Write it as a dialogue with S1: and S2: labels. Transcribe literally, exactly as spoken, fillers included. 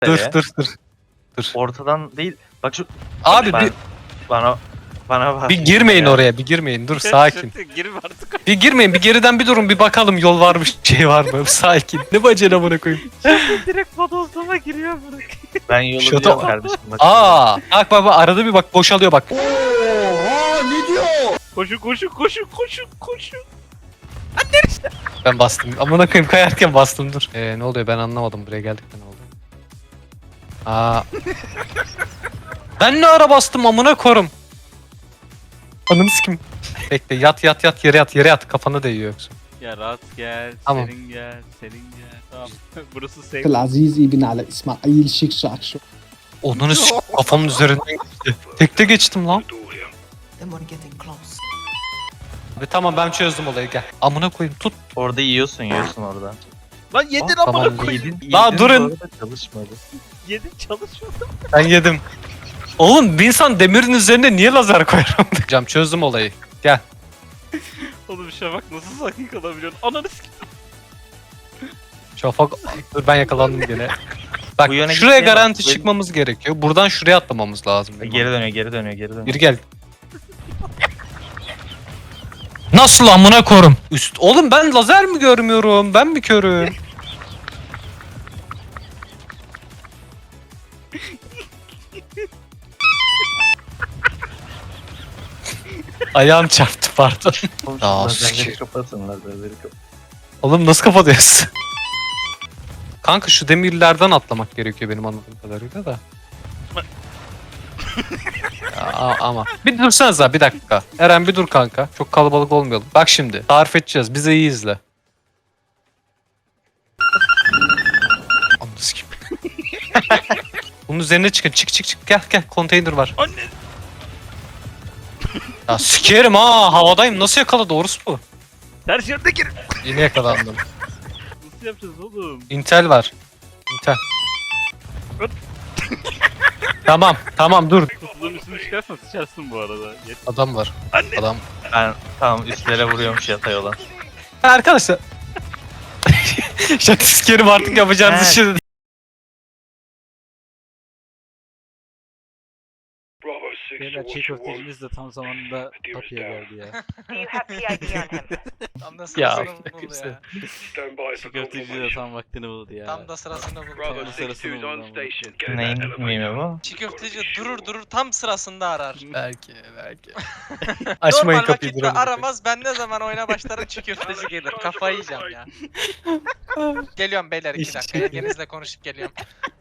S1: Dur
S2: Nereye?
S1: dur dur. Dur.
S2: Ortadan değil. Bak şu
S1: Abi
S2: ben,
S1: bir,
S2: bana bana bak.
S1: bir girmeyin
S2: Ya.
S1: oraya bir girmeyin. Dur sakin.
S3: Girme artık.
S1: Bir girmeyin bir geriden bir durun bir bakalım yol var mı şey var mı? Sakin. Ne bacana amına koyayım.
S3: Direkt bodozlama giriyor bırak.
S2: Ben yolu
S1: Şurada-
S2: biliyorum kardeşim. Bak.
S1: Aa, bak bak bak arada bir bak boşalıyor bak.
S3: Koşun koşun koşun koşun koşun.
S1: Ben bastım. Amına koyayım kayarken bastım dur. Ee, ne oluyor ben anlamadım buraya geldik ne oldu? Aa. Ben ne ara bastım amına korum. Ananı sikim. Bekle yat yat yat yere yat yere yat kafanı değiyor yoksa.
S3: Ya rahat gel,
S1: Tamam.
S3: serin gel, serin gel. Tamam. Burası safe.
S4: العزيز ابن على اسماعيل شيخ شعشو.
S1: Onunu sik kafamın üzerinden geçti. Tekte geçtim lan.
S5: Then we're getting close.
S1: Abi tamam ben çözdüm olayı gel. Amına koyayım tut.
S2: Orada yiyorsun yiyorsun orada.
S3: Lan yedin
S1: Ah,
S3: amına
S1: tamam,
S3: koyayım.
S2: Yedin,
S1: Daha
S2: yedin,
S1: durun.
S2: bu arada çalışmadı.
S3: Yedin çalışıyor.
S1: Ben yedim. Oğlum bir insan demirin üzerine niye lazer koyar? Cam çözdüm olayı. Gel.
S3: Oğlum Şafak nasıl sakin kalabiliyorsun? Ananı sikeyim.
S1: Şafak dur ben yakalandım gene. Bak
S2: Bu yöne
S1: şuraya
S2: gitmeye bak,
S1: garanti
S2: bu-
S1: çıkmamız gerekiyor. Buradan şuraya atlamamız lazım.
S2: Geri dönüyor geri dönüyor geri dönüyor.
S1: Geri gel. Nasıl amına korum? Üst oğlum ben lazer mi görmüyorum? Ben mi körüm? Ayağım çarptı pardon.
S2: Oğlum, şu
S1: Aa,
S2: lazerleri
S1: sikeyim.
S2: kapatın lazerleri kapatın.
S1: Oğlum nasıl kapatıyorsun? Kanka şu demirlerden atlamak gerekiyor benim anladığım kadarıyla da. Ya, a- ama bir dursanıza bir dakika. Eren bir dur kanka. Çok kalabalık olmayalım. Bak şimdi tarif edeceğiz. Bize iyi izle. Anladınız gibi. Bunun üzerine çıkın. Çık çık çık. Gel gel. Konteyner var.
S3: Anne.
S1: Ya sikerim ha. Havadayım. Nasıl yakaladı orası bu?
S3: Ters yerde gir.
S1: Yine yakalandım.
S3: Nasıl yapacağız oğlum?
S1: Intel var. Intel. Tamam tamam dur.
S3: Kutuların üstüne çıkarsan sıçarsın bu arada. Yet.
S1: Adam var.
S3: Anne.
S1: Adam.
S2: Ben tamam üstlere vuruyormuş yatay olan.
S1: Arkadaşlar. Şaka sikerim artık yapacağınız
S2: Evet.
S1: işi.
S3: Beyler çiğ köftecimiz de tam zamanında kapıya geldi ya.
S5: Do you have P I D on him?
S6: Tam da
S1: Ya,
S6: sırasını buldu
S1: kimse.
S6: ya.
S3: Çiğ köfteci de tam vaktini buldu ya.
S6: Tam da sırasını buldu.
S3: Tam
S6: ya.
S3: da sırasını buldu. ama.
S2: Neyin mimi bu?
S6: Çiğ köfteci durur durur tam sırasında arar.
S1: Belki belki. Açmayın
S6: Normal
S1: kapıyı
S6: vakitte
S1: duralım.
S6: aramaz, ben ne zaman oyuna başlarım çiğ köfteci gelir. Kafayı yiyeceğim ya. Geliyorum beyler iki
S1: İş
S6: dakika.
S1: çekiyor.
S6: Yengenizle konuşup geliyorum.